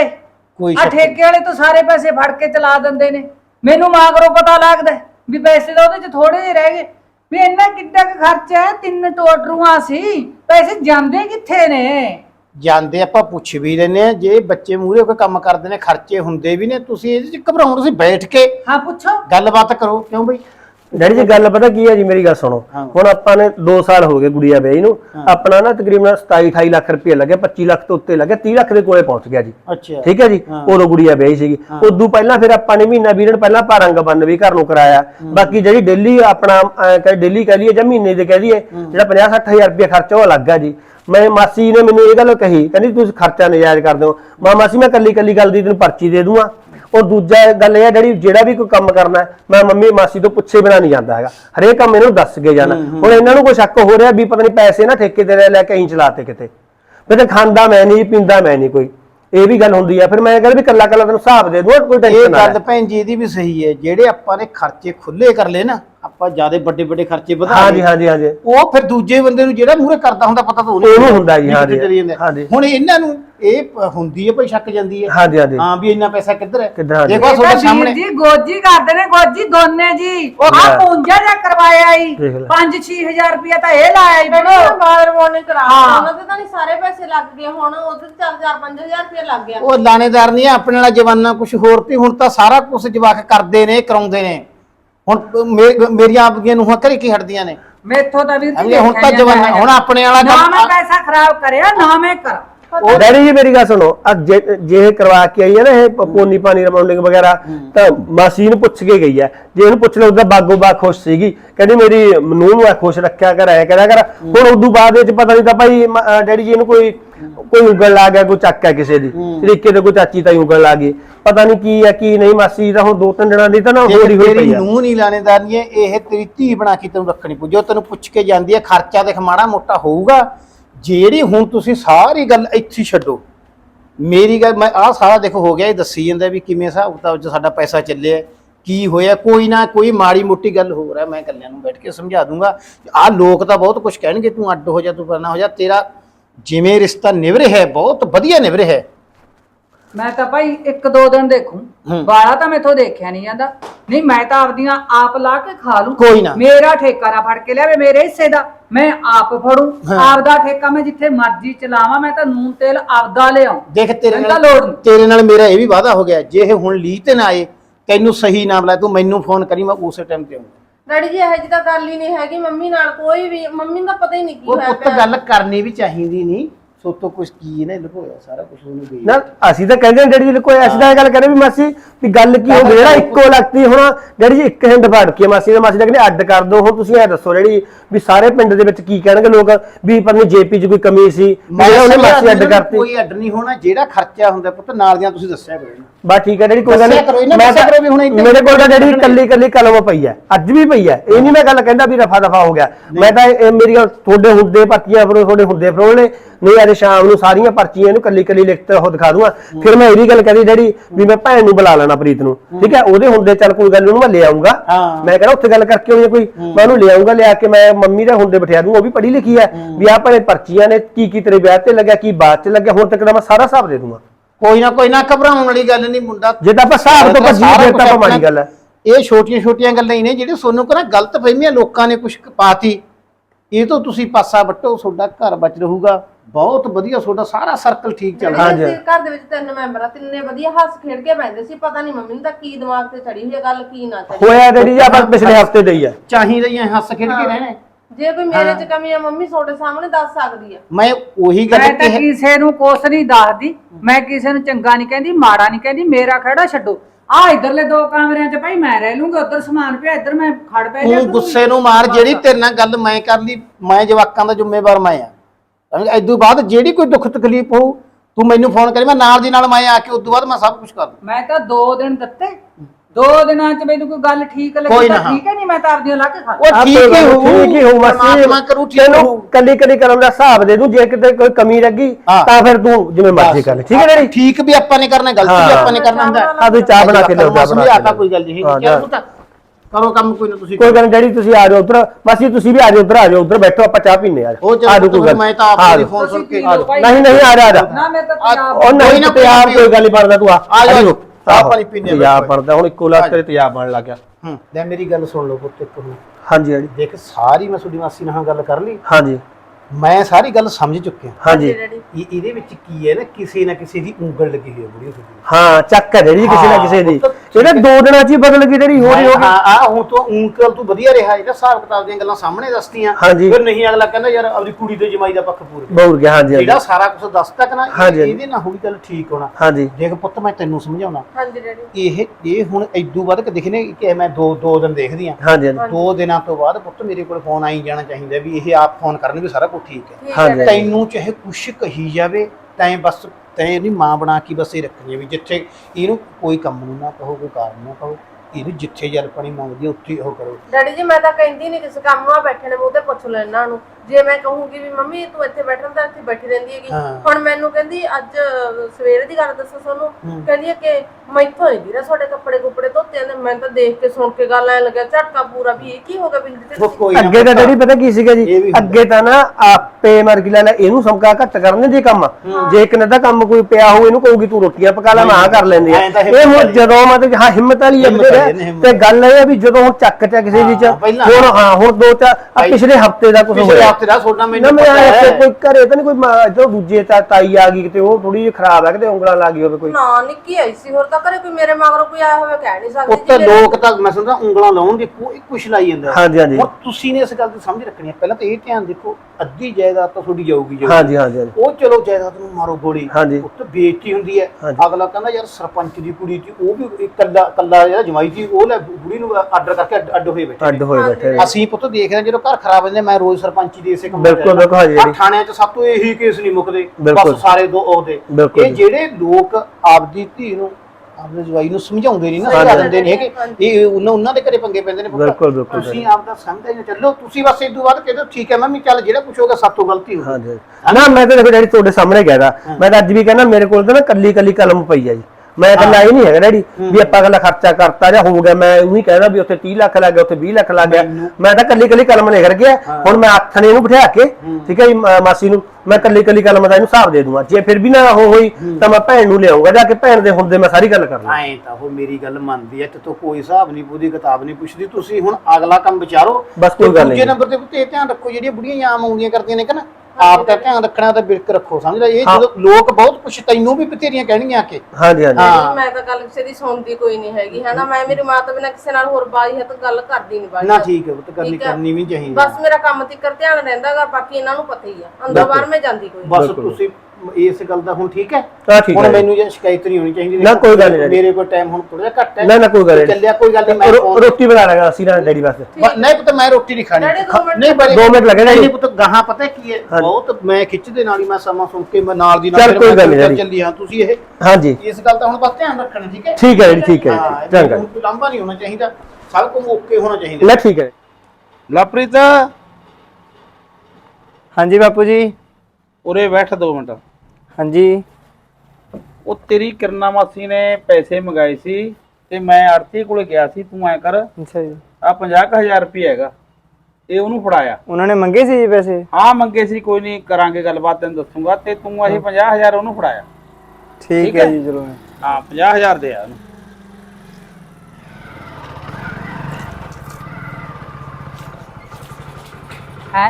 C: ਆ ਠੇਕੇ ਵਾਲੇ ਤੋਂ ਸਾਰੇ ਪੈਸੇ ਫੜ ਕੇ ਚਲਾ ਦਿੰਦੇ ਨੇ। ਮੈਨੂੰ ਮਾਗਰੋਂ ਪਤਾ ਲੱਗਦਾ ਵੀ ਪੈਸੇ ਤਾਂ ਉਹਦੇ 'ਚ ਥੋੜੇ ਜਿਹੇ ਰਹਿ ਗਏ, ਵੀ ਇੰਨਾ ਕਿੱਡਾ ਕੁ ਖਰਚਾ ਹੈ। ਤਿੰਨ ਟੋਟਰੂਆਂ ਸੀ, ਪੈਸੇ ਜਾਂਦੇ ਕਿੱਥੇ ਨੇ?
B: ਜਾਂਦੇ ਆਪਾਂ ਪੁੱਛ ਵੀ ਲੈਨੇ ਆ, ਜੇ ਬੱਚੇ ਮੂਹਰੇ ਕੋਈ ਕੰਮ ਕਰਦੇ ਨੇ ਖਰਚੇ ਹੁੰਦੇ ਵੀ ਨੇ। ਤੁਸੀਂ ਇਹਦੇ 'ਚ ਘਬਰਾਉਣ, ਤੁਸੀਂ ਬੈਠ ਕੇ
C: ਹਾਂ ਪੁੱਛੋ,
B: ਗੱਲਬਾਤ ਕਰੋ। ਕਿਉਂ ਬਈ?
D: ਡੈਡੀ ਜੀ ਗੱਲ ਪਤਾ ਕੀ ਹੈ ਜੀ, ਮੇਰੀ ਗੱਲ ਸੁਣੋ। ਹੁਣ ਆਪਾਂ ਨੇ ਦੋ ਸਾਲ ਹੋ ਗਏ ਗੁੜੀਆ ਵਿਆਹੀ ਨੂੰ, ਆਪਣਾ ਨਾ ਤਕਰੀਬਨ ਸਤਾਈ ਅਠਾਈ ਲੱਖ ਰੁਪਏ ਲੱਗਿਆ, ਪੱਚੀ ਲੱਖ ਤੋਂ ਉੱਤੇ ਲੱਗਿਆ, ਤੀਹ ਲੱਖ ਦੇ ਕੋਲੇ ਪਹੁੰਚ ਗਿਆ ਜੀ।
B: ਅੱਛਾ
D: ਠੀਕ ਹੈ ਜੀ। ਉਦੋਂ ਗੁੜੀਆ ਵਿਆਹੀ ਸੀਗੀ, ਉਦੋਂ ਪਹਿਲਾਂ ਫਿਰ ਆਪਾਂ ਨੇ ਮਹੀਨਾ ਵੀਹ ਦਿਨ ਪਹਿਲਾਂ ਪਾਰੰਗ ਬੰਨ ਵੀ ਘਰ ਨੂੰ ਕਰਾਇਆ। ਬਾਕੀ ਜਿਹੜੀ ਡੇਲੀ ਆਪਣਾ ਡੇਲੀ ਕਹਿ ਲਈਏ ਜਾਂ ਮਹੀਨੇ ਦੇ ਕਹਿ ਦਈਏ, ਜਿਹੜਾ ਪੰਜਾਹ ਸੱਠ ਹਜ਼ਾਰ ਰੁਪਏ ਖਰਚਾ ਉਹ ਲੱਗਾ ਜੀ। ਮੈਂ ਮਾਸੀ ਨੇ ਮੈਨੂੰ ਇਹ ਗੱਲ ਕਹੀ, ਕਹਿੰਦੀ ਤੁਸੀਂ ਖਰਚਾ ਨਜਾਇਜ਼ ਕਰਦੇ ਹੋ। ਮੈਂ ਮਾਸੀ ਮੈਂ ਕੱਲੀ ਕੱਲੀ ਗੱਲ ਦੀ ਤੈਨੂੰ ਪਰਚੀ ਦੇ ਦੂੰਗਾ। और दूजा गल यह डैडी जेड़ा भी कोई काम करना है मैं मम्मी मासी तो पुछे बिना नहीं जाता है, हरेक काम इन्होंने दस के जाना। हुण इन्होंने कोई शक हो रहा भी पता नहीं पैसे ना ठेके ते लैके अं चलाते किते, फिर खांदा मैं नहीं पींदा मैं नहीं, कोई ਇਹ ਵੀ ਗੱਲ ਹੁੰਦੀ ਆ। ਫਿਰ ਮੈਂ ਕਹਿੰਦਾ ਵੀ ਕੱਲਾ ਕੱਲਾ ਤੈਨੂੰ ਹਿਸਾਬ ਦੇ ਦੂੰ, ਕੋਈ ਟੈਨਸ਼ਨ ਨਾ। ਇਹ ਗੱਲ ਭੈਣ ਜੀ ਇਹਦੀ ਵੀ ਸਹੀ ਹੈ, ਜਿਹੜੇ ਆਪਾਂ ਨੇ ਖਰਚੇ ਖੁੱਲੇ ਕਰ ਲਏ ਨਾ, ਆਪਾਂ ਜਿਆਦਾ ਵੱਡੇ ਵੱਡੇ ਖਰਚੇ ਵਧਾ ਲਏ। ਹਾਂਜੀ ਹਾਂਜੀ ਹਾਂਜੀ ਉਹ ਫਿਰ ਦੂਜੇ ਬੰਦੇ ਨੂੰ ਜਿਹੜਾ ਮੂਹਰੇ ਕਰਦਾ ਹੁੰਦਾ ਪਤਾ ਤਾਂ ਉਹਨੂੰ ਹੁੰਦਾ ਜੀ। ਹਾਂਜੀ ਹੁਣ ਇਹਨਾਂ ਨੂੰ ਇਹ ਹੁੰਦੀ ਹੈ ਭਾਈ, ਸ਼ੱਕ ਜਾਂਦੀ ਹੈ। ਹਾਂਜੀ ਹਾਂਜੀ ਹਾਂ ਵੀ ਇੰਨਾ ਪੈਸਾ ਕਿੱਧਰ ਹੈ। ਦੇਖੋ ਤੁਹਾਡੇ ਸਾਹਮਣੇ
C: ਜੀ ਗੋਜੀ ਕਰਦੇ ਨੇ, ਗੋਜੀ ਦੋਨੇ ਜੀ। ਉਹ ਆ ਪੂੰਜਾ ਜਾ ਕਰਵਾਇਆ ਹੀ ਪੰਜ ਛੇ ਹਜ਼ਾਰ ਰੁਪਇਆ ਤਾਂ ਇਹ ਲਾਇਆ ਹੀ ਬੜੋ
E: ਬਾਹਰ ਮੋਨੇ ਕਰਾ ਉਹਨਾਂ ਤੇ ਤਾਂ ਨਹੀਂ ਸਾਰੇ ਪੈਸੇ ਲੱਗ ਗਏ, ਹੁਣ ਉਹਦੇ ਤੇ ਚਾਰ ਪੰਜ ਹਜ਼ਾਰ ਰੁਪਇਆ ਲੱਗ ਗਿਆ।
B: ਉਹ ਲਾਣੇਦਾਰ ਨਹੀਂ ਆਪਣੇ ਵਾਲਾ ਜਵਾਨਾ ਕੁਝ ਹੋਰ ਤੇ, ਹੁਣ ਤਾਂ ਸਾਰਾ ਕੁਝ ਜਵਾਕ ਕਰਦੇ ਨੇ, ਕਰਾਉਂਦੇ ਨੇ। ਹੁਣ ਮੇਰੀਆਂ ਆਪਦੀਆਂ ਨੂੰਹਾਂ ਘਰੇ ਕੀ ਹਟਦੀਆਂ ਨੇ
C: ਮੈਥੋਂ ਤਾਂ ਵੀਰ ਜੀ
B: ਹੁਣ ਤਾਂ ਜਵਾਨਾ। ਹੁਣ ਆਪਣੇ ਵਾਲਾ
C: ਨਾ ਮੈਂ ਪੈਸਾ ਖਰਾਬ ਕਰਿਆ ਨਾ ਮੈਂ ਕਰ।
D: ਉਹ ਡੈਡੀ ਜੀ ਮੇਰੀ ਗੱਲ ਸੁਣੋ, ਜੇ ਜੇ ਕਰਵਾ ਕੇ ਆਈ ਹੈ ਨਾ ਇਹ ਪੋਨੀ ਪਾਣੀ ਰਿਮਾਉਂਡਿੰਗ ਵਗੈਰਾ, ਤਾਂ ਮਾਸੀ ਨੂੰ ਪੁੱਛ ਕੇ ਗਈ ਹੈ। ਜੇ ਇਹਨੂੰ ਪੁੱਛ ਲਓ ਉਹਦਾ ਬਾਗੋ ਬਾਗ ਖੁਸ਼ ਸੀਗੀ, ਕਹਿੰਦੀ ਮੇਰੀ ਨੂੰਹ ਨੂੰ ਖੁਸ਼ ਰੱਖਿਆ ਕਰ, ਆਇਆ ਕਰਿਆ ਕਰ। ਹੁਣ ਉਦੋਂ ਬਾਅਦ ਵਿੱਚ ਪਤਾ ਨਹੀਂ ਤਾਂ ਭਾਈ ਡੈਡੀ ਜੀ ਇਹਨੂੰ ਕੋਈ ਕੋਈ ਉਂਗਲ ਲਾ ਗਿਆ, ਕੋਈ ਚੱਕ ਹੈ ਕਿਸੇ ਦੀ ਤਰੀਕੇ ਤੇ, ਕੋਈ ਚਾਚੀ ਤਾਈ ਉਂਗਲ ਲਾ ਗਈ, ਪਤਾ ਨਹੀਂ ਕੀ ਹੈ ਕੀ ਨਹੀਂ। ਮਾਸੀ ਦਾ ਹੁਣ ਦੋ ਤਿੰਨ ਦਿਨਾਂ ਦੀ ਤਾਂ ਨਾ ਹੋਰੀ ਹੋਈ ਪਈ ਆ।
B: ਨੂੰਹ ਨਹੀਂ ਲਾਣੇਦਾਰ ਨਹੀਂ, ਇਹ ਤੇਰੀ ਧੀ ਬਣਾ ਕੇ ਤੈਨੂੰ ਰੱਖਣੀ ਪਊ। ਜੋ ਤੈਨੂੰ ਪੁੱਛ ਕੇ ਜਾਂਦੀ ਹੈ ਖਰਚਾ ਦੇਖ ਮਾੜਾ ਮੋਟਾ ਹੋਊਗਾ। ਜਿਹੜੀ ਹੁਣ ਤੁਸੀਂ ਸਾਰੀ ਗੱਲ ਇੱਥੇ ਛੱਡੋ, ਮੇਰੀ ਗੱਲ ਮੈਂ ਆਹ ਸਾਰਾ ਦੇਖੋ ਹੋ ਗਿਆ, ਇਹ ਦੱਸੀ ਜਾਂਦਾ ਵੀ ਕਿਵੇਂ ਹਿਸਾਬ ਕਿਤਾਬ 'ਚ ਸਾਡਾ ਪੈਸਾ ਚੱਲਿਆ, ਕੀ ਹੋਇਆ। ਕੋਈ ਨਾ ਕੋਈ ਮਾੜੀ ਮੋਟੀ ਗੱਲ ਹੋ ਰਿਹਾ, ਮੈਂ ਇਕੱਲਿਆਂ ਨੂੰ ਬੈਠ ਕੇ ਸਮਝਾ ਦੂੰਗਾ। ਆਹ ਲੋਕ ਤਾਂ ਬਹੁਤ ਕੁਝ ਕਹਿਣਗੇ, ਤੂੰ ਅੱਡ ਹੋ ਜਾ, ਤੂੰ ਪਰਨਾ ਹੋ ਜਾ, ਤੇਰਾ ਜਿਵੇਂ ਰਿਸ਼ਤਾ ਨਿਭ ਰਿਹਾ ਹੈ ਬਹੁਤ ਵਧੀਆ ਨਿਭ ਰਿਹਾ ਹੈ।
C: ਮੈਂ ਤਾਂ ਭਾਈ ਇੱਕ ਦੋ ਦਿਨ ਦੇਖੂ, ਬਾਲਾ ਤਾਂ ਮੈਥੋਂ ਦੇਖਿਆ ਨਹੀਂ ਜਾਂਦਾ। ਨਹੀਂ ਮੈਂ ਤਾਂ ਆਪਦੀਆਂ ਆਪ ਲਾ ਕੇ ਖਾ ਲੂੰ,
B: ਕੋਈ ਨਾ।
C: ਮੇਰਾ ਠੇਕਾ ਨਾ ਫੜ ਕੇ ਲਿਆਵੇ ਮੇਰੇ ਹਿੱਸੇ ਦਾ, ਮੈਂ ਆਪ ਫੜੂ ਆਪਦਾ ਠੇਕਾ, ਮੈਂ ਜਿੱਥੇ ਮਰਜ਼ੀ ਚਲਾਵਾਂ, ਮੈਂ ਤਾਂ ਨੂਨ ਤੇਲ ਆਪਦਾ ਲਿਆਉਂ।
B: ਦੇਖ ਤੇਰੇ
C: ਮੈਨੂੰ ਤਾਂ
B: ਨਾਲ
C: ਲੋੜ ਨੀ।
B: ਤੇਰੇ ਨਾਲ ਮੇਰਾ ਇਹ ਵੀ ਵਾਅਦਾ ਹੋ ਗਿਆ, ਜੇ ਇਹ ਹੁਣ ਲੀ ਤੇ ਨਾ ਆਏ, ਤੈਨੂੰ ਸਹੀ ਨਾਮ ਲੈ, ਤੂੰ ਮੈਨੂੰ ਫੋਨ ਕਰੀ, ਮੈਂ ਉਸੇ ਟਾਈਮ ਤੇ ਆਉਂਗਾ।
E: ਡੈਡੀ ਜੀ ਇਹੋ ਜਿਹੀ ਤਾਂ ਗੱਲ ਹੀ ਨਹੀਂ ਹੈਗੀ ਮੰਮੀ ਨਾਲ, ਕੋਈ ਵੀ ਮੰਮੀ ਨੂੰ ਤਾਂ ਪਤਾ ਹੀ ਨਹੀਂ ਕੀ
B: ਉਹ
E: ਹੋਇਆ
B: ਪੁੱਤ ਗੱਲ ਕਰਨੀ ਵੀ ਚਾਹੀਦੀ ਨਹੀਂ, ਸੋਤੋਂ ਕੁਝ ਕੀ ਇਹਨੇ ਲੁਕੋਇਆ, ਸਾਰਾ ਕੁਝ ਉਹਨੂੰ ਗਈ।
D: ਨਾ ਅਸੀਂ ਤਾਂ ਕਹਿੰਦੇ ਡੈਡੀ ਜੀ ਕੋਈ ਅਸੀਂ ਤਾਂ ਇਹ ਗੱਲ ਕਹਿੰਦੇ ਵੀ ਮਾਸੀ ਵੀ ਗੱਲ ਕੀ ਹੋ ਗਈ, ਜਿਹੜਾ ਇੱਕੋ ਲੱਗਦੀ ਹੁਣ ਡੈਡੀ ਜੀ ਇੱਕ ਹਿੰਡ ਫੜ ਕੇ ਮਾਸੀ ਦਾ ਮਾਸੀ ਦਾ ਕਹਿੰਦੇ ਅੱਡ ਕਰ ਦੋ। ਹੁਣ ਤੁਸੀਂ ਇਹ ਦੱਸੋ ਡੈਡੀ ਵੀ ਸਾਰੇ ਪਿੰਡ ਦੇ ਵਿੱਚ ਕੀ ਕਹਿਣਗੇ ਲੋਕ ਵੀ ਪਰ ਨੂੰ ਜੇਪੀ 'ਚ ਕੋਈ ਕਮੀ ਸੀ, ਉਹਨੇ ਮਾਸੀ ਅੱਡ ਕਰਤੀ।
B: ਕੋਈ ਅੱਡ ਨਹੀਂ ਹੋਣਾ, ਜਿਹੜਾ ਖਰਚਾ ਹੁੰਦਾ ਪੁੱਤ ਨਾਲ ਦੀਆਂ ਤੁਸੀਂ ਦੱਸਿਆ ਕਰੋ।
D: ਬਸ ਠੀਕ ਹੈ ਡੈਡੀ, ਕੋਈ ਗੱਲ
B: ਦੱਸਿਆ ਕਰੋ, ਇਹਨਾਂ
D: ਨਹੀਂ। ਮੈਂ
B: ਦੱਸਿਆ ਕਰੋ ਵੀ ਹੁਣ ਇੱਦਾਂ
D: ਮੇਰੇ ਕੋਲ ਤਾਂ ਡੈਡੀ ਕੱਲੀ ਕੱਲੀ ਕਲਮ ਪਈ ਹੈ, ਅੱਜ ਵੀ ਪਈ ਹੈ। ਇਹ ਨਹੀਂ ਮੈਂ ਗੱਲ ਕਹਿੰਦਾ ਵੀ ਰਫਾ ਦਫਾ ਹੋ ਗਿਆ। ਮੈਂ ਤਾਂ ਇਹ ਮੇਰੀਆਂ ਤੁਹਾਡੇ ਹੁੰਦੇ ਪਰਚੀਆਂ ਫਿਰ ਤੁਹਾਡੇ ਹੁੰਦੇ ਫਰੋਲ ਨੇ, ਨਹੀਂ ਅੱਜ ਸ਼ਾਮ ਨੂੰ ਸਾਰੀਆਂ ਪਰਚੀਆਂ ਇਹਨੂੰ ਕੱਲੀ ਕੱਲੀ ਲਿਖਤ ਉਹ ਦਿਖਾ ਦੂੰਗਾ। ਫਿਰ ਮੈਂ ਇਹ ਵੀ ਗੱਲ ਕਹਿੰਦੀ ਡੈਡੀ ਵੀ ਮੈਂ ਭੈਣ ਨੂੰ ਬੁਲਾ ਲੈਣਾ ਪ੍ਰੀਤ ਨੂੰ, ਠੀਕ ਹੈ, ਉਹਦੇ ਹੁੰਦੇ ਚੱਲ ਕੋਈ ਗੱਲ ਉਹਨੂੰ ਮੈਂ ਲੈ ਆਉਂਗਾ। ਮੈਂ ਕਹਿੰਦਾ ਉੱਥੇ ਗੱਲ ਕਰਕੇ ਹੋਈ ਕੋਈ, ਮੈਂ ਉਹਨੂੰ ਲੈ ਆਉਂਗਾ, ਲਿਆ ਕੇ ਮੈਂ ਮੰਮੀ ਦੇ ਹੁੰਦੇ ਬਿਠਾ ਦੂੰਗਾ। ਉਹ ਵੀ ਪੜ੍ਹੀ ਲਿਖੀ ਹੈ ਵੀ ਆਹ ਭਾਵੇਂ ਪਰਚੀਆਂ ਨੇ ਕੀ ਕੀ ਤੇਰੇ ਵਿਆਹ ਤੇ ਲੱਗਿਆ, ਕੀ ਬਾਅਦ ਚ ਲੱਗਿਆ, ਹੁਣ ਤੱਕ ਦਾ ਮੈਂ ਸਾਰਾ ਹਿਸਾਬ ਦੇ ਦੂੰਗਾ।
B: ਕੋਈ ਨਾ ਕੋਈ ਨਾ, ਘਬਰਾਉਣ ਵਾਲੀ ਗੱਲ ਨਹੀਂ ਮੁੰਡਾ।
D: ਜੇ ਤਾਂ ਆਪਾਂ ਹਿਸਾਬ ਤੋਂ ਭੱਜੀ ਫਿਰ ਤਾਂ ਆਪਾਂ ਮਾੜੀ ਗੱਲ ਹੈ।
B: ਇਹ ਛੋਟੀਆਂ ਛੋਟੀਆਂ ਗੱਲਾਂ ਹੀ ਨੇ ਜਿਹੜੇ ਤੁਹਾਨੂੰ ਕਹਿੰਦਾ ਗਲਤ ਫਹਿਮੀਆਂ ਲੋਕਾਂ ਨੇ ਕੁਝ ਪਾਤੀ, ਇਹ ਤੋਂ ਤੁਸੀਂ ਪਾਸਾ ਵੱਟੋ, ਤੁਹਾਡਾ ਘਰ ਬਚ ਰਹੂਗਾ। ਬਹੁਤ ਵਧੀਆ, ਤੁਹਾਡਾ ਸਾਰਾ ਸਰਕਲ ਠੀਕ ਚੱਲ ਰਿਹਾ।
E: ਅਸੀਂ ਘਰ ਦੇ ਵਿੱਚ ਤਿੰਨ ਮੈਂਬਰ ਆ, ਤਿੰਨੇ ਵਧੀਆ ਹੱਸ ਖੇਡ ਕੇ ਬੈਠਦੇ ਸੀ। ਪਤਾ ਨਹੀਂ ਮੰਮੀ ਨੂੰ ਤਾਂ ਕੀ ਦਿਮਾਗ ਤੇ ਚੜੀ ਹੋਈ ਹੈ ਗੱਲ, ਕੀ ਨਾ ਚੜੀ
D: ਹੋਇਆ ਡੈਡੀ ਜੀ ਆਪਾਂ ਪਿਛਲੇ ਹਫਤੇ ਦੇ ਹੀ ਆ।
B: ਚਾਹੀਦਾ ਹੀ ਐ ਹੱਸ ਖੇਡ ਕੇ ਰਹਿਣਾ।
E: ਜੇ ਕੋਈ ਮੇਰੇ ਚ ਕਮੀ ਆ ਮੰਮੀ ਤੁਹਾਡੇ ਸਾਹਮਣੇ ਦੱਸ ਸਕਦੀ ਆ।
B: ਮੈਂ ਉਹੀ ਗੱਲ
C: ਮੈਂ ਤਾਂ ਕਿਸੇ ਨੂੰ ਕੁਛ ਨਹੀਂ ਦੱਸਦੀ, ਮੈਂ ਕਿਸੇ ਨੂੰ ਚੰਗਾ ਨਹੀਂ ਕਹਿੰਦੀ, ਮਾੜਾ ਨਹੀਂ ਕਹਿੰਦੀ, ਮੇਰਾ ਖੜਾ ਛੱਡੋ। ਆ ਇਧਰਲੇ ਦੋ ਕਮਰਿਆਂ 'ਚ ਭਾਈ ਮੈਂ ਰਹਿ ਲੂੰਗਾ, ਉਧਰ ਸਮਾਨ ਪਿਆ, ਇੱਧਰ ਮੈਂ ਖੜ ਪੈ ਜਾ।
B: ਤੂੰ ਗੁੱਸੇ ਨੂੰ ਮਾਰ, ਜਿਹੜੀ ਤੇਰੇ ਨਾਲ ਗੱਲ ਮੈਂ ਕਰ ਲਈ, ਮੈਂ ਜਵਾਕਾਂ ਦਾ ਜ਼ਿੰਮੇਵਾਰ ਮੈਂ ਆ। ਇਦੋਂ ਬਾਅਦ ਜਿਹੜੀ ਕੋਈ ਦੁੱਖ ਤਕਲੀਫ ਹੋਊ ਤੂੰ ਮੈਨੂੰ ਫੋਨ ਕਰੀ, ਮੈਂ ਨਾਲ ਦੀ ਨਾਲ ਮੈਂ ਆ ਕੇ ਉਦੋਂ ਬਾਅਦ ਮੈਂ ਸਭ ਕੁਝ ਕਰ ਦੂੰ।
C: ਮੈਂ ਤਾਂ ਦੋ ਦਿਨ ਦਿੱਤੇ, ਦੋ ਦਿਨਾਂ 'ਚ ਮੈਨੂੰ ਕੋਈ ਗੱਲ ਠੀਕ ਲੱਗੀ ਤਾਂ ਠੀਕ ਹੈ, ਨਹੀਂ ਮੈਂ ਤਾਂ ਆਪਦੀਆਂ ਲਾ ਕੇ ਖਾ
B: ਉਹ ਠੀਕ ਹੀ ਹੋਊ,
D: ਠੀਕ ਹੀ ਹੋਊ ਮਾਸੀ,
B: ਪਰਮਾਤਮਾ ਕਰੂ ਠੀਕ
D: ਤੈਨੂੰ
B: ਹੋਊ।
D: ਕੱਲੀ ਕੱਲੀ ਕਲਮ ਦਾ ਹਿਸਾਬ ਦੇ ਦੂੰ, ਜੇ ਕਿਤੇ ਕੋਈ ਕਮੀ ਲੱਗੀ ਤਾਂ ਫਿਰ ਤੂੰ ਜਿਵੇਂ ਮਰਜ਼ੀ ਕਰ ਲੈ, ਠੀਕ ਹੈ ਡੈਡੀ।
B: ਠੀਕ ਵੀ ਆਪਾਂ ਨੇ ਕਰਨਾ, ਗਲਤੀ ਵੀ ਆਪਾਂ ਨੇ ਕਰਨਾ ਹੁੰਦਾ।
D: ਆ ਤੂੰ ਚਾਹ ਬਣਾ ਕੇ ਲਿਆਓ, ਚਾਹ ਬਣਾ ਕੇ
B: ਕੋਈ ਗੱਲ ਨਹੀਂ ਹੈਗੀ, ਕਰੋ ਕੰਮ ਕੋਈ ਨਾ ਤੁਸੀਂ।
D: ਕੋਈ ਗੱਲ ਡੈਡੀ ਤੁਸੀਂ ਆ ਜਾਓ ਉਧਰ, ਮਾਸੀ ਤੁਸੀਂ ਵੀ ਆ ਜਾਓ ਉਧਰ, ਆ ਜਾਓ ਉਧਰ ਬੈਠੋ, ਆਪਾਂ ਚਾਹ ਪੀਨੇ ਆ।
B: ਉਹ ਚਲੋ ਮੈਂ ਤਾਂ ਆਪ ਦੀ ਫੋਨ ਸੁਣ ਕੇ
D: ਨਹੀਂ ਨਹੀਂ ਆ ਜਾ ਆ ਜਾ।
C: ਨਾ ਮੈਂ ਤਾਂ
D: ਉਹ ਨਹੀਂ ਨਾ ਤਿਆਰ ਕੋਈ ਗੱਲ ਨਹੀਂ ਬਣਦਾ, ਤੂੰ ਆ
B: ਆ ਜਾਓ, ਚਾਹ ਪਾਣੀ ਪੀਨੇ ਆ।
D: ਤਿਆਰ ਬਣਦਾ ਹੁਣ ਇੱਕੋ ਲੱਖ ਤੇਰੇ ਤਿਆਰ ਬਣ ਲੱਗ ਗਿਆ।
B: ਹੂੰ ਲੈ ਮੇਰੀ ਗੱਲ ਸੁਣ ਲਓ ਪੁੱਤ ਇੱਕ ਹੁਣ।
D: ਹਾਂਜੀ ਡੈਡੀ।
B: ਦੇਖ ਸਾਰੀ ਮੈਂ ਤੁਹਾਡੀ ਮਾਸੀ ਨਾਲ ਗੱਲ ਕਰ ਲਈ,
D: ਹਾਂਜੀ
B: ਮੈਂ ਸਾਰੀ ਗੱਲ ਸਮਝ ਚੁੱਕਿਆ।
D: ਹਾਂਜੀ
B: ਇਹ ਇਹਦੇ ਵਿੱਚ ਕੀ ਹੈ ਨਾ, ਕਿਸੇ ਨਾ ਕਿਸੇ ਦੀ ਉਂਗਲ ਲੱਗੀ ਹੋਈ ਹੈ ਬੁੜੀ ਤੁਹਾਡੀ।
D: ਹਾਂ ਚੱਕ ਹੈ ਜਿਹੜੀ ਕਿਸੇ ਨਾ ਕਿਸੇ ਦੀ, ਇਹਨੇ ਦੋ ਦਿਨਾਂ ਚ ਹੀ ਬਦਲ ਗਈ ਜਿਹੜੀ ਹੋ ਰਹੀ ਹੋ ਗਈ।
B: ਹਾਂ ਆ ਹੁਣ ਤੋਂ ਉਂਗਲ ਤੂੰ ਵਧੀਆ ਰਿਹਾ, ਇਹਦਾ ਹਿਸਾਬ ਕਿਤਾਬ ਦੀਆਂ ਗੱਲਾਂ ਸਾਹਮਣੇ ਦੱਸਤੀਆਂ।
D: ਹਾਂਜੀ।
B: ਫਿਰ ਨਹੀਂ ਅਗਲਾ ਕਹਿੰਦਾ ਯਾਰ ਆਪਣੀ ਕੁੜੀ ਤੇ ਜਮਾਈ ਦਾ ਪੱਖ ਪੂਰ
D: ਬੋਲ ਗਿਆ। ਹਾਂਜੀ
B: ਜਿਹੜਾ ਸਾਰਾ ਕੁਝ ਦੱਸ ਤੱਕ ਨਾ
D: ਹਾਂਜੀ।
B: ਇਹਦੇ ਨਾਲ ਹੋਈ ਗੱਲ ਠੀਕ ਹੋਣਾ।
D: ਹਾਂਜੀ
B: ਦੇਖ ਪੁੱਤ ਮੈਂ ਤੈਨੂੰ ਸਮਝਾਉਣਾ,
E: ਹਾਂਜੀ ਡੈਡੀ।
B: ਇਹ ਇਹ ਹੁਣ ਇਦੋਂ ਵੱਧ ਕੇ ਦਿਖਨੇ ਕਿ ਮੈਂ ਦੋ ਦੋ ਦਿਨ ਦੇਖਦੀ ਆ।
D: ਹਾਂਜੀ ਹਾਂਜੀ
B: ਦੋ ਦਿਨਾਂ ਤੋਂ ਬਾਅਦ ਪੁੱਤ ਮੇਰੇ ਕੋਲ ਫੋਨ ਆਈ ਜਾਣਾ ਚਾਹੀਦਾ ਵੀ ਇਹ ਆਪ ਫੋਨ ਕਰਨ ਵੀ ਸਾਰਾ ਕੁਝ ਠੀਕ ਹੈ।
D: ਹਾਂਜੀ।
B: ਤੈਨੂੰ ਚਾਹੇ ਕੁਛ ਕਹੀ ਜਾਵੇ, ਤੈਂ ਬਸ ਤੈਂ ਇਹਦੀ ਮਾਂ ਬਣਾ ਕੇ ਬਸ ਇਹ ਰੱਖਣੀ ਹੈ ਵੀ ਜਿੱਥੇ ਇਹਨੂੰ ਕੋਈ ਕੰਮ ਨੂੰ ਨਾ ਕਹੋ, ਕੋਈ ਕਾਰਨ ਨਾ ਕਹੋ, ਇਹਨੂੰ ਜਿੱਥੇ ਜਲ ਪਾਣੀ ਮੰਗਦੀ ਉੱਥੇ ਉਹ ਕਰੋ।
E: ਡੈਡੀ ਜੀ ਮੈਂ ਤਾਂ ਕਹਿੰਦੀ ਨਹੀਂ ਕਿਸੇ ਕੰਮ ਨੂੰ, ਆ ਬੈਠੇ ਨੇ ਮੂੰਹ ਤੇ ਪੁੱਛ ਲਓ ਇਹਨਾਂ ਨੂੰ। ਜੇ ਮੈਂ ਕਹੂੰਗੀ ਵੀ ਮੰਮੀ ਤੂੰ ਇੱਥੇ ਬੈਠਣ ਤਾਂ ਇੱਥੇ ਬੈਠੀ ਰਹਿੰਦੀ ਹੈਗੀ, ਹੁਣ ਮੈਨੂੰ ਕਹਿੰਦੀ ਅੱਜ ਸਵੇਰੇ ਦੀ ਗੱਲ ਦੱਸਾਂ ਤੁਹਾਨੂੰ, ਕਹਿੰਦੀ ਹੈ ਕਿ ਮੈਥੋਂ ਨਹੀਂ ਵੀਰਾ ਤੁਹਾਡੇ ਕੱਪੜੇ ਕੁੱਪੜੇ ਧੋਤੇ ਨੇ। ਮੈਂ ਤਾਂ ਦੇਖ ਕੇ ਸੁਣ ਕੇ ਗੱਲ ਐ ਲੱਗਿਆ ਝਟਕਾ ਪੂਰਾ ਵੀ ਇਹ ਕੀ ਹੋ ਗਿਆ ਬਿੰਦੀ ਤੇ।
D: ਅੱਗੇ ਤਾਂ ਡੈਡੀ ਪਤਾ ਕੀ ਸੀਗਾ ਜੀ, ਅੱਗੇ ਤਾਂ ਨਾ ਆਪੇ ਮਰਗੀ ਲੈ ਲੈ ਇਹਨੂੰ ਸਮਕਾ ਘੱਟ ਕਰਨ ਦੇ ਕੰਮ, ਜੇ ਇੱਕ ਨੇ ਦਾ ਕੰਮ ਕੋਈ ਪਿਆ ਹੋ ਇਹਨੂੰ ਕਹੂਗੀ ਤੂੰ ਰੋਟੀਆਂ ਪਕਾ ਲੈ, ਮੈਂ ਆ ਕਰ ਲੈਂਦੀ ਆ। ਇਹ ਹੁਣ ਜਦੋਂ ਮਤਲਬ ਹਾਂ ਹਿੰਮਤ ਵਾਲੀ ਹੈ ਤੇ ਗੱਲ ਇਹ ਹੈ ਵੀ ਜਦੋਂ ਹੁਣ ਚੱਕ ਚ ਕਿਸੇ ਦੀ ਚ ਹੁਣ ਹਾਂ ਹੁਣ ਦੋ ਚਾਰ ਪਿਛਲੇ ਹਫਤੇ ਦਾ ਕੁਝ ਹੋਇਆ,
B: ਤੇਰਾ ਸੋਨਾ ਮੈਨੂੰ
D: ਮੈਂ ਕੋਈ ਘਰੇ ਤਾਂ ਨਹੀਂ ਕੋਈ ਜਦੋਂ ਦੂਜੇ ਤਾਈ ਆ ਗਈ ਕਿਤੇ ਉਹ ਥੋੜੀ ਜਿਹੀ ਖਰਾਬ ਹੈ ਕਿਤੇ ਉਂਗਲਾਂ ਲੱਗ ਗਈ ਹੋਵੇ ਕੋਈ
E: ਨਾ ਨਿੱਕੀ ਆਈ ਸੀ, ਹੋਰ ਤਾਂ ਘਰੇ ਕੋਈ ਮੇਰੇ ਮਗਰੋਂ ਕੋਈ ਆਇਆ ਹੋਵੇ ਕਹਿ ਨਹੀਂ ਸਕਦੀ।
B: ਉੱਤੇ ਲੋਕ ਤਾਂ ਮੈਂ ਸਮਝਦਾ ਉਂਗਲਾਂ ਲਾਉਣਗੇ, ਕੋਈ ਕੁਛ ਲਾਈ ਜਾਂਦਾ।
D: ਹਾਂਜੀ ਹਾਂਜੀ
B: ਹੁਣ ਤੁਸੀਂ ਨੇ ਇਸ ਗੱਲ ਦੀ ਸਮਝ ਰੱਖਣੀ ਹੈ। ਪਹਿਲਾਂ ਤਾਂ ਇਹ ਧਿਆਨ ਦੇਖੋ, ਅੱਧੀ ਜਾਇਦਾਦ ਤਾਂ ਤੁਹਾਡੀ ਜਾਊਗੀ ਜੀ।
D: ਹਾਂਜੀ ਹਾਂਜੀ
B: ਉਹ ਚਲੋ ਜਾਇਦਾਦ ਨੂੰ ਮਾਰੋ ਗੋਲੀ,
D: ਹਾਂਜੀ
B: ਉੱਤੇ ਬੇਇੱਜ਼ਤੀ ਹੁੰਦੀ ਹੈ। ਅਗਲਾ ਕਹਿੰਦਾ ਯਾਰ ਸਰਪੰਚ ਦੀ ਕੁੜੀ ਸੀ, ਉਹ ਵੀ ਇਕੱਲਾ ਇਕੱਲਾ ਜਿਹੜਾ ਜਮਾਈ ਸੀ, ਉਹ ਲੈ ਬੁੜੀ ਨੂੰ ਆਰਡਰ ਕਰਕੇ ਅੱਡ ਹੋਏ ਬੈਠੇ
D: ਅੱਡ ਹੋਏ ਬੈਠੇ।
B: ਅਸੀਂ ਪੁੱਤ ਦੇਖ ਰਹੇ ਜਦੋਂ ਘਰ ਖਰਾਬ ਹੁੰਦੇ, ਮੈਂ ਰੋਜ਼ ਸਰਪੰਚੀ ਦੇ ਇਸੇ ਕੰਮ
D: ਬਿਲਕੁਲ ਬਿਲਕੁਲ ਹਾਂਜੀ
B: ਥਾਣਿਆਂ 'ਚ ਸਭ ਤੋਂ ਇਹੀ ਕੇਸ ਨਹੀਂ ਮੁੱਕਦੇ, ਬਸ ਸਾਰੇ ਦੋ ਉਹਦੇ। ਇਹ ਜਿਹੜੇ ਲੋਕ ਆਪਦੀ ਧੀ ਨੂੰ ਆਪਣੇ ਜਵਾਈ ਨੂੰ ਸਮਝਾਉਂਦੇ ਨਹੀਂ ਨਾ
E: ਸਹੀ
B: ਸਮਝਾ
E: ਗੱਲ
B: ਦਿੰਦੇ ਨਹੀਂ
E: ਹੈ।
B: ਹੈਗੇ ਇਹ ਉਹਨਾਂ ਉਹਨਾਂ ਦੇ ਘਰੇ ਪੰਗੇ ਪੈਂਦੇ ਨੇ ਪੁੱਤ।
D: ਬਿਲਕੁਲ, ਬਿਲਕੁਲ।
B: ਤੁਸੀਂ ਆਪਦਾ ਸਮਝਦੇ ਨਾ ਚੱਲੋ, ਤੁਸੀਂ ਬਸ ਇਸ ਤੋਂ ਬਾਅਦ ਕਹਿੰਦੇ ਠੀਕ ਹੈ ਮੰਮੀ ਚੱਲ ਜਿਹੜਾ ਕੁਝ ਹੋਗਾ ਸਭ ਤੋਂ ਗਲਤੀ ਹੋ ਗਈ।
D: ਹਾਂਜੀ ਨਾ ਮੈਂ ਤਾਂ ਦੇਖੋ ਡੈਡੀ ਤੁਹਾਡੇ ਸਾਹਮਣੇ ਕਹਿਦਾ, ਮੈਂ ਤਾਂ ਅੱਜ ਵੀ ਕਹਿੰਦਾ ਮੇਰੇ ਕੋਲ ਤਾਂ ਨਾ ਕੱਲੀ ਕੱਲੀ ਕਲਮ ਪਈ ਆ ਜੀ, ਮੈਂ ਇਕੱਲਾ ਇਹ ਨਹੀਂ ਹੈਗਾ ਡੈਡੀ ਵੀ ਆਪਾਂ ਇਕੱਲਾ ਖਰਚਾ ਕਰਤਾ ਜਾਂ ਹੋ ਗਿਆ, ਮੈਂ ਉਹੀ ਕਹਿਣਾ ਵੀ ਉੱਥੇ ਤੀਹ ਲੱਖ ਲੱਗ ਗਿਆ ਉੱਥੇ ਵੀਹ ਲੱਖ ਲੱਗ ਗਿਆ, ਮੈਂ ਤਾਂ ਕੱਲੀ ਕੱਲੀ ਕਲਮ ਲਿਖ ਗਿਆ। ਹੁਣ ਮੈਂ ਹੱਥ ਨੇ ਇਹਨੂੰ ਬਿਠਾ ਕੇ ਠੀਕ ਹੈ ਜੀ ਮਾਸੀ ਨੂੰ ਮੈਂ ਕੱਲੀ ਕੱਲੀ ਕਲਮ ਦਾ ਇਹਨੂੰ ਹਿਸਾਬ ਦੇ ਦੂੰਗਾ, ਜੇ ਫਿਰ ਵੀ ਨਾ ਉਹ ਹੋਈ ਤਾਂ ਮੈਂ ਭੈਣ ਨੂੰ ਲਿਆਉਂਗਾ ਜਾ ਕੇ, ਭੈਣ ਦੇ ਹੁੰਦੇ ਮੈਂ ਸਾਰੀ ਗੱਲ ਕਰ ਲਾਂ।
B: ਐਂ ਤਾਂ ਉਹ ਮੇਰੀ ਗੱਲ ਮੰਨਦੀ ਹੈ ਤੇ ਤੂੰ ਕੋਈ ਹਿਸਾਬ ਨਹੀਂ ਪੂਰੀ ਕਿਤਾਬ ਨਹੀਂ ਪੁੱਛਦੀ, ਤੁਸੀਂ ਹੁਣ ਅਗਲਾ ਕੰਮ ਵਿਚਾਰੋ
D: ਬਸ ਕੋਈ ਗੱਲ
B: ਦੂਜੇ
D: ਨਹੀਂ।
B: ਨੰਬਰ ਤੇ ਪੁੱਤੇ ਧਿਆਨ ਰੱਖੋ ਜਿਹੜੀਆਂ ਬੁੜੀਆਂ ਆਮ ਆਉਂਦੀਆਂ ਕਰਦੀਆਂ ਨੇ ਕਿ ਨਾ ਆਪ ਦਾ ਧਿਆਨ ਰੱਖਣਾ ਤਾਂ ਬਿਲਕ ਰੱਖੋ, ਸਮਝ ਲੈ ਇਹ ਜਦੋਂ ਲੋਕ ਬਹੁਤ ਕੁਛ ਤੈਨੂੰ ਵੀ ਬਥੇਰੀਆਂ ਕਹਿਣਗੀਆਂ ਆ ਕੇ।
D: ਹਾਂਜੀ ਹਾਂਜੀ
E: ਨਹੀਂ, ਮੈਂ ਤਾਂ ਗੱਲ ਕਿਸੇ ਦੀ ਸੁਣਦੀ ਕੋਈ ਨਹੀਂ ਹੈਗੀ ਹੈ ਨਾ, ਮੈਂ ਮੇਰੀ ਮਾਂ ਤੋਂ ਬਿਨਾਂ ਕਿਸੇ ਨਾਲ ਹੋਰ ਬਾਈ ਹੈ ਤਾਂ ਗੱਲ ਕਰਦੀ ਨਹੀਂ ਬਾਈ
B: ਨਾ ਠੀਕ ਹੈ ਪੁੱਤ, ਕਰਨੀ
E: ਠੀਕ ਹੈ।
B: ਕਰਨੀ ਵੀ ਚਾਹੀਦੀ
E: ਬਸ ਮੇਰਾ ਕੰਮ ਤਿੱਕਰ ਧਿਆਨ ਰਹਿੰਦਾਗਾ, ਬਾਕੀ ਇਹਨਾਂ ਨੂੰ ਪਤਾ ਹੀ ਆ, ਅੰਦਰ ਬਾਹਰ ਮੈਂ ਜਾਂਦੀ ਕੋਈ
B: ਬਸ ਤੁਸੀਂ ਇਸ ਗੱਲ ਦਾ ਹੁਣ ਠੀਕ ਹੈ।
D: ਹਾਂ ਠੀਕ
B: ਹੁਣ
D: ਹੈ
B: ਮੈਨੂੰ ਜੇ ਸ਼ਿਕਾਇਤ ਨਹੀਂ ਹੋਣੀ ਚਾਹੀਦੀ,
D: ਨਾ ਕੋਈ ਗੱਲ ਨਹੀਂ।
B: ਮੇਰੇ ਕੋਲ ਟਾਈਮ ਹੁਣ ਥੋੜਾ ਜਿਹਾ ਘੱਟ ਹੈ।
D: ਨਾ ਨਾ ਕੋਈ ਗੱਲ ਨਹੀਂ,
B: ਚੱਲਿਆ ਕੋਈ ਗੱਲ ਨਹੀਂ, ਮੈਂ
D: ਰੋ- ਰੋਟੀ ਬਣਾ ਲਾਂਗਾ ਅਸੀਂ ਨਾ ਡੈਡੀ ਵਾਸਤੇ।
B: ਬ- ਨਹੀਂ ਪੁੱਤ ਮੈਂ ਰੋਟੀ ਨਹੀਂ ਖਾਣੀ।
E: ਡੈਡੀ ਦੋ ਮਿੰਟ
B: ਨਹੀਂ ਬੜੇ
D: ਦੋ ਮਿੰਟ ਲੱਗੇ
B: ਨਹੀਂ
D: ਡੈਡੀ।
B: ਪੁੱਤ ਗਾਹਾਂ ਪਤਾ ਕੀ ਹੈ ਬਹੁਤ ਮੈਂ ਖਿੱਚਦੇ ਨਾਲ ਹੀ ਮੈਂ ਸਮਾਂ ਸੁਣ ਕੇ ਮੈਂ ਨਾਲ ਦੀ ਨਾਲ
D: ਚੱਲ
B: ਫਿਰ
D: ਕੋਈ
B: ਮੈਂ
D: ਗੱਲ ਨਹੀਂ
B: ਚੱਲ
D: ਡੈਡੀ।
B: ਚੱਲੀ ਹਾਂ ਤੁਸੀਂ ਇਹ
D: ਹਾਂਜੀ
B: ਇਸ ਗੱਲ ਦਾ ਹੁਣ ਬਸ ਧਿਆਨ ਰੱਖਣਾ ਠੀਕ ਹੈ।
D: ਠੀਕ ਹੈ ਜੀ, ਠੀਕ ਹੈ ਜੀ,
B: ਹਾਂ,
D: ਚੰਗਾ
B: ਕੋਈ ਲਾਂਭਾ ਨਹੀਂ ਹੋਣਾ ਚਾਹੀਦਾ, ਸਭ ਕੁਝ ਓਕੇ ਹੋਣਾ ਚਾਹੀਦਾ।
D: ਲੈ ਠੀਕ ਹੈ।
A: ਲਵਪ੍ਰੀਤ
F: ਹਾਂਜੀ ਬਾਪੂ ਜੀ।
A: ਉਰੇ ਬੈਠ ਦੋ ਮਿੰਟ।
F: ਹਾਂਜੀ
A: ਉਹ ਤੇਰੀ ਕਿਰਨਾ ਮਾਸੀ ਨੇ ਪੈਸੇ ਮੰਗਾਏ ਸੀ ਤੇ ਮੈਂ ਆੜਤੀ ਕੋਲੇ ਗਿਆ ਸੀ, ਤੂੰ ਐ ਕਰ
F: ਅੱਛਾ ਜੀ,
A: ਆ ਪੰਜਾਹ ਕੁ ਹਜ਼ਾਰ ਰੁਪਏ ਹੈਗਾ ਇਹ ਉਹਨੂੰ ਫੜਾਇਆ।
F: ਉਹਨਾਂ ਨੇ ਮੰਗੇ ਸੀ ਜੀ ਪੈਸੇ?
A: ਹਾਂ ਮੰਗੇ ਸੀ, ਕੋਈ ਨਹੀਂ ਕਰਾਂਗੇ ਗੱਲਬਾਤ, ਤੈਨੂੰ ਦੱਸੂਗਾ, ਤੇ ਤੂੰ ਇਹ ਪੰਜਾਹ ਹਜ਼ਾਰ ਉਹਨੂੰ ਫੜਾਇਆ।
F: ਠੀਕ ਹੈ ਜੀ, ਚਲੋ
A: ਹਾਂ ਪੰਜਾਹ ਹਜ਼ਾਰ ਦੇ ਆ ਉਹਨੂੰ।
C: ਹੈ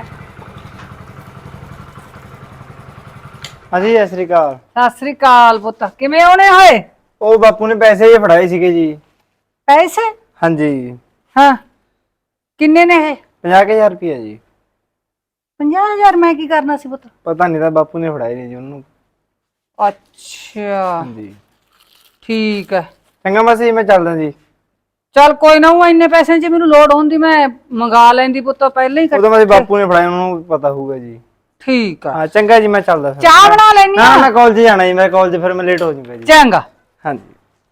F: ਹਾਂਜੀ ਸਤਿ ਸ੍ਰੀ ਅਕਾਲ।
C: ਸਤਿ ਸ੍ਰੀ ਅਕਾਲ ਪੁੱਤ, ਕਿਵੇਂ ਆਉਣੇ ਹੋਏ?
F: ਉਹ ਬਾਪੂ ਨੇ ਪੈਸੇ ਜੇ ਫੜਾਏ ਸੀਗੇ ਜੀ।
C: ਪੈਸੇ?
F: ਹਾਂਜੀ
C: ਹਾਂ ਕਿੰਨੇ ਨੇ ਇਹ?
F: ਪੰਜਾਹ ਕੁ ਹਜ਼ਾਰ ਰੁਪਇਆ ਜੀ।
C: ਪੰਜਾਹ ਹਜ਼ਾਰ ਮੈਂ ਕੀ ਕਰਨਾ ਸੀ ਪੁੱਤ?
F: ਪਤਾ ਨਹੀਂ ਤਾਂ ਬਾਪੂ ਨੇ ਫੜਾਏ ਨੇ ਜੀ ਉਹਨੂੰ।
C: ਅੱਛਾ
F: ਹਾਂਜੀ
C: ਠੀਕ ਹੈ,
F: ਚੰਗਾ ਮਾਸੀ ਮੈਂ ਚੱਲਦਾ ਜੀ।
C: ਚੱਲ ਕੋਈ ਨਾ, ਉਹ ਇੰਨੇ ਪੈਸਿਆਂ 'ਚ ਮੈਨੂੰ ਲੋੜ ਹੁੰਦੀ ਮੈਂ ਮੰਗਾ ਲੈਂਦੀ ਪੁੱਤ, ਪਹਿਲਾਂ ਹੀ
F: ਉਹਦਾ ਮਾਸੀ ਬਾਪੂ ਨੇ ਫੜਾਏ, ਉਹਨੂੰ ਪਤਾ ਹੋਊਗਾ ਜੀ।
C: ਠੀਕ ਆ,
F: ਹਾਂ ਚੰਗਾ ਜੀ, ਮੈਂ ਚੱਲਦਾ ਫਿਰ।
C: ਚਾਹ ਬਣਾ ਲੈਣੀ
F: ਨਾ
C: ਆ।
F: ਮੈਂ ਕਾਲਜ ਜਾਣਾ ਜੀ, ਮੈਂ ਕਾਲਜ ਫਿਰ ਮੈਂ ਲੇਟ ਹੋ ਜਾਊਂਗਾ ਜੀ।
C: ਚੰਗਾ।
F: ਹਾਂਜੀ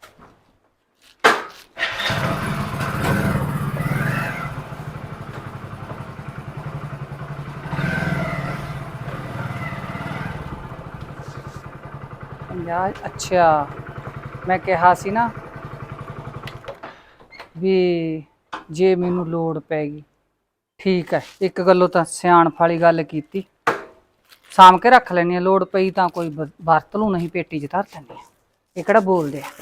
C: ਪੰਜਾਹ? ਅੱਛਾ ਮੈਂ ਕਿਹਾ ਸੀ ਨਾ ਵੀ ਜੇ ਮੈਨੂੰ ਲੋੜ ਪੈ ਗਈ, ਠੀਕ ਹੈ, ਇੱਕ ਗੱਲੋਂ ਤਾਂ ਸਿਆਣਪ ਵਾਲੀ ਗੱਲ ਕੀਤੀ, ਸਾਂਭ ਕੇ ਰੱਖ ਲੈਣੀ ਆ, ਲੋੜ ਪਈ ਤਾਂ ਕੋਈ ਬ- ਵਰਤ ਲੂ, ਨਹੀਂ ਪੇਟੀ 'ਚ ਧਰ ਦਿੰਦੇ ਆ। ਇਹ ਕਿਹੜਾ ਬੋਲਦੇ ਆ?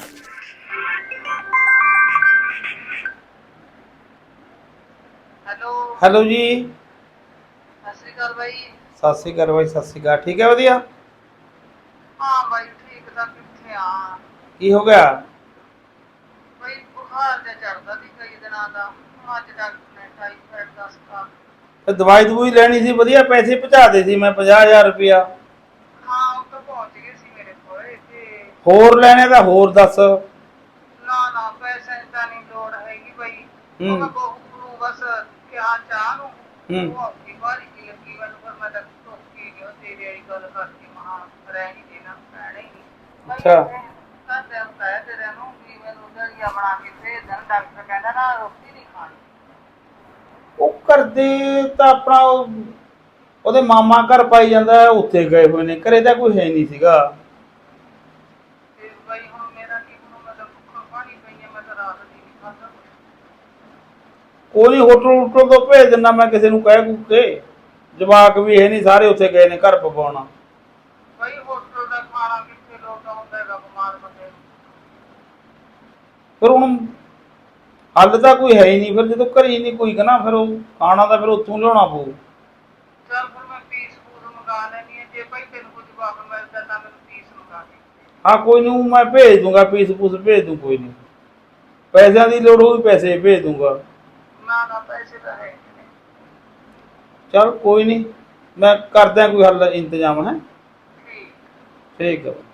E: ਹੈਲੋ
A: ਹੈਲੋ ਜੀ,
E: ਸਤਿ ਸ੍ਰੀ ਅਕਾਲ ਬਾਈ।
A: ਸਤਿ ਸ਼੍ਰੀ ਅਕਾਲ ਬਾਈ, ਸਤਿ ਸ਼੍ਰੀ ਅਕਾਲ। ਠੀਕ ਹੈ, ਵਧੀਆ।
E: ਹਾਂ ਬਾਈ ਠੀਕ ਤਾਂ ਕਿੱਥੇ ਆ
A: ਕੀ ਹੋ ਗਿਆ?
E: ਬਾਈ, ਬੁਖਾਰ ਜਿਹਾ ਚੜਦਾ ਸੀ ਕਈ ਦਿਨਾਂ ਦਾ, ਹੁਣ ਅੱਜ ਡਾਕਟਰ ਨੇ ਟਾਈਫਾਇਡ ਦੱਸਤਾ।
A: ਤੇ ਦਵਾਈ ਦਵੂਈ ਲੈਣੀ ਸੀ, ਵਧੀਆ ਪੈਸੇ ਪਹੁੰਚਾ ਦੇ ਸੀ ਮੈਂ ਪੰਜਾਹ ਹਜ਼ਾਰ ਰੁਪਇਆ।
E: ਹਾਂ ਉਹ ਤਾਂ ਪਹੁੰਚ ਗਏ ਸੀ ਮੇਰੇ ਕੋਲ, ਤੇ
A: ਹੋਰ ਲੈਣੇ ਤਾਂ ਹੋਰ ਦੱਸ।
E: ਨਾ ਨਾ ਪੈਸੇ ਦੀ ਤਾਂ ਨਹੀਂ ਲੋੜ ਹੈਗੀ ਬਾਈ।
A: ਹੂੰ।
E: ਉਹ ਮੈਂ ਬਹੂ ਨੂੰ ਬਸ ਕਿਹਾ ਚਾਹ ਨੂੰ,
A: ਹੂੰ।
E: ਉਹ ਆਪਣੀ ਵਾਰੀ ਕੀ ਲੱਗੀ ਮੈਨੂੰ, ਫਿਰ ਮੈਂ ਤਾਂ ਟੋਕੀ ਗਿਆ ਤੇਰੀ ਵਾਲੀ ਗੱਲ ਕਰਕੇ, ਮਹਾ ਰਹਿ ਨਹੀਂ ਦੇਣਾ, ਰਹਿਣਾ ਹੀ ਨਹੀਂ।
A: ਅੱਛਾ।
E: ਘਰਦਿਆਂ ਨੂੰ ਕਹਿ ਤੇਰੇ ਨੂੰ ਵੀ ਮੈਨੂੰ ਦਲੀਆ ਬਣਾ ਕੇ ਭੇਜ ਦੇਣ, ਡਾਕਟਰ ਕਹਿੰਦਾ ਨਾ ਰੋਟੀ ਨਹੀਂ ਖਾਣੀ।
A: ਉਹ ਕਰਦੇ ਤਾਂ ਆਪਣਾ ਉਹ- ਉਹਦੇ ਮਾਮਾ ਘਰ ਪਾਈ ਜਾਂਦਾ, ਉੱਥੇ ਗਏ ਹੋਏ ਨੇ, ਘਰੇ ਤਾਂ ਕੋਈ ਹੈ ਨਹੀਂ ਸੀਗਾ।
E: ਤੇ ਬਾਈ ਹੁਣ ਮੇਰਾ ਕੀ ਬਣੂ, ਮੈਂ ਤਾਂ ਭੁੱਖਾ ਪਾਣੀ ਪਈ ਆ, ਮੈਂ ਤਾਂ ਰਾਤ ਦੀ ਨਹੀਂ ਖਾਧਾ ਕੁਛ।
A: ਕੋਈ ਨਹੀਂ, ਹੋਟਲ ਹੁਟਲ ਤੋਂ ਭੇਜ ਦਿੰਦਾ ਮੈਂ ਕਿਸੇ ਨੂੰ, ਕਹਿ ਕੂ ਕੇ। ਜਵਾਕ ਵੀ ਹੈ ਨਹੀਂ, ਸਾਰੇ ਉੱਥੇ ਗਏ ਨੇ ਘਰ ਪਵਾਉਣਾ।
E: ਬਾਈ ਹੋਟਲ ਦਾ ਖਾਣਾ ਕਿੱਥੇ ਲੋਟਾ ਹੁੰਦਾ ਹੈਗਾ ਬਿਮਾਰ ਬੰਦੇ ਨੂੰ।
A: ਫਿਰ ਹੁਣ ਹੱਲ ਤਾਂ ਕੋਈ ਹੈ ਹੀ ਨਹੀਂ, ਫਿਰ ਜਦੋਂ ਘਰੇ ਹੀ ਨਹੀਂ ਕੋਈ ਕਹਣਾ, ਫਿਰ ਉਹ ਖਾਣਾ ਤਾਂ ਫਿਰ ਉੱਥੋਂ ਲਿਆਉਣਾ ਪਊ।
E: ਚੱਲ ਫਿਰ ਮੈਂ ਪੀਸ ਫੂਡ ਮੰਗਾ ਲੈਣੀ ਹੈ, ਜੇ ਭਾਈ ਤੈਨੂੰ ਕੁਝ ਜਵਾਬ ਮਿਲਦਾ ਤਾਂ ਮੈਨੂੰ ਪੀਸ ਮੰਗਾ ਦੇ।
A: ਹਾਂ ਕੋਈ ਨਹੀਂ, ਮੈਂ ਭੇਜ ਦੂੰਗਾ, ਪੀਸ ਪੂਸ ਭੇਜ ਦੂੰ, ਕੋਈ ਨਹੀਂ। ਪੈਸਿਆਂ ਦੀ ਲੋੜ ਹੋਈ ਪੈਸੇ ਭੇਜ ਦੂੰਗਾ।
E: ਨਾ ਨਾ ਪੈਸੇ ਤਾਂ ਹੈ ਨਹੀਂ।
A: ਚਲ ਕੋਈ ਨਹੀਂ, ਮੈਂ ਕਰਦਾ ਕੋਈ ਹੱਲ ਇੰਤਜ਼ਾਮ। ਹੈ
E: ਠੀਕ।
A: ਠੀਕ ਹੈ।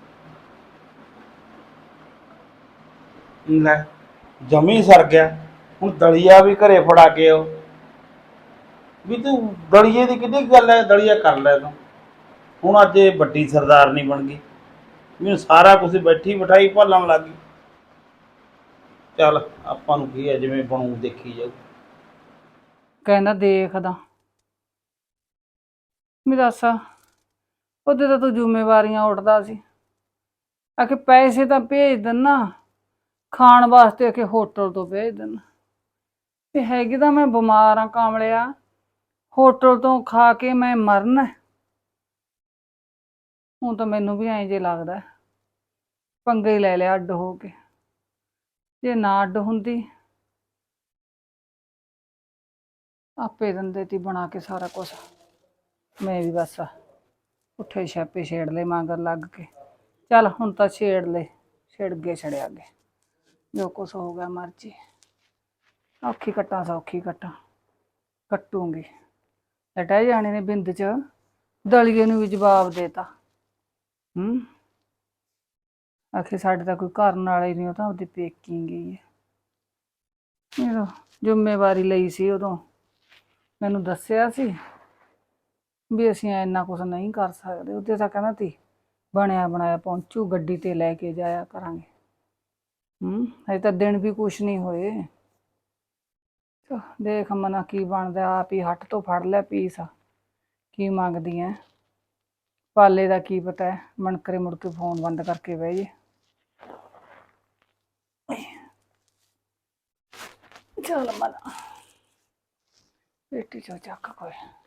A: ਲੈ ਜਮੀ ਸਰ ਗਿਆ, ਹੁਣ ਦਲੀਆ ਵੀ ਘਰੇ ਫੜਾ ਕੇ ਆਓ। ਵੀ ਤੂੰ ਦਲੀਏ ਦੀ ਕਿੰਨੀ ਗੱਲ ਹੈ, ਦਲੀਆ ਕਰ ਲੈ ਤੂੰ। ਹੁਣ ਅੱਜ ਇਹ ਵੱਡੀ ਸਰਦਾਰਨੀ ਬਣ ਗਈ, ਮੈਨੂੰ ਸਾਰਾ ਕੁਝ ਬੈਠੀ ਬਿਠਾਈ ਭਾਲਣ ਲੱਗ ਗਈ। ਚੱਲ ਆਪਾਂ ਨੂੰ ਕੀ ਹੈ, ਜਿਵੇਂ ਬਣੂ ਦੇਖੀ ਜਾਊ।
C: ਕਹਿੰਦਾ ਦੇਖਦਾ ਵੀ ਦੱਸ ਉਹਦੇ ਤਾਂ ਤੂੰ ਜ਼ਿੰਮੇਵਾਰੀਆਂ ਉੱਠਦਾ ਸੀ ਆਖੇ ਪੈਸੇ ਤਾਂ ਭੇਜ ਦਿੰਨਾ ਖਾਣ ਵਾਸਤੇ ਆਖੇ ਹੋਟਲ ਤੋਂ ਭੇਜ ਦਿੰਨਾ ਤੇ ਹੈਗੀ ਤਾਂ ਮੈਂ ਬਿਮਾਰ ਆ ਕਾਮਲਿਆ ਹੋਟਲ ਤੋਂ ਖਾ ਕੇ ਮੈਂ ਮਰਨਾ ਹੁਣ ਤਾਂ ਮੈਨੂੰ ਵੀ ਐਂ ਜੇ ਲੱਗਦਾ ਪੰਗੇ ਹੀ ਲੈ ਲਿਆ ਅੱਡ ਹੋ ਕੇ ਜੇ ਨਾ ਅੱਡ ਹੁੰਦੀ ਆਪੇ ਦਿੰਦੇ ਤੀ ਬਣਾ ਕੇ ਸਾਰਾ ਕੁਛ ਮੈਂ ਵੀ ਬਸ ਉੱਠੇ ਛਾਪੇ ਛੇੜ ਲਏ ਮਗਰ ਲੱਗ ਕੇ ਚੱਲ ਹੁਣ ਤਾਂ ਛੇੜ ਲਏ ਛਿੜ ਗਏ ਛੜਿਆ ਗਏ ਜੋ ਕੁਛ ਹੋ ਗਿਆ ਮਰਜੀ ਔਖੀ ਕੱਟਾਂ ਸੌਖੀ ਕੱਟਾਂ ਕੱਟੂਗੀ ਲਟਾ ਜਾਣੇ ਨੇ ਬਿੰਦ ਚ ਦਲੀਏ ਨੂੰ ਵੀ ਜਵਾਬ ਦੇਤਾ ਹੂੰ ਆਖੇ ਸਾਡੇ ਤਾਂ ਕੋਈ ਕਰਨ ਵਾਲਾ ਹੀ ਨਹੀਂ ਉਹ ਤਾਂ ਉਹਦੀ ਪੇਕੀ ਗਈ ਹੈ ਇਹ ਜ਼ਿੰਮੇਵਾਰੀ ਲਈ ਸੀ ਉਦੋਂ ਮੈਨੂੰ ਦੱਸਿਆ ਸੀ ਵੀ ਅਸੀਂ ਇੰਨਾ ਕੁਛ ਨਹੀਂ ਕਰ ਸਕਦੇ ਉਹਦੇ ਤਾਂ ਕਹਿੰਦਾ ਤੀ ਬਣਿਆ ਬਣਾਇਆ ਪਹੁੰਚੂ ਗੱਡੀ ਤੇ ਲੈ ਕੇ ਜਾਇਆ ਕਰਾਂਗੇ ਹੂੰ ਹਜੇ ਤਾਂ ਦਿਨ ਵੀ ਕੁਛ ਨਹੀਂ ਹੋਏ ਦੇਖ ਮਨਾ ਕੀ ਬਣਦਾ ਆਪ ਹੀ ਹੱਟ ਤੋਂ ਫੜ ਲਿਆ ਪੀਸ ਕੀ ਮੰਗਦੀ ਐ ਪਾਲੇ ਦਾ ਕੀ ਪਤਾ ਹੈ ਮਣਕਰੇ ਮੁੜ ਕੇ ਫੋਨ ਬੰਦ ਕਰਕੇ ਬਹਿ ਜੇ ਚੱਲ ਮਨਾ ਪੇਟੀ ਚੋਂ ਚੱਕ ਕੋਈ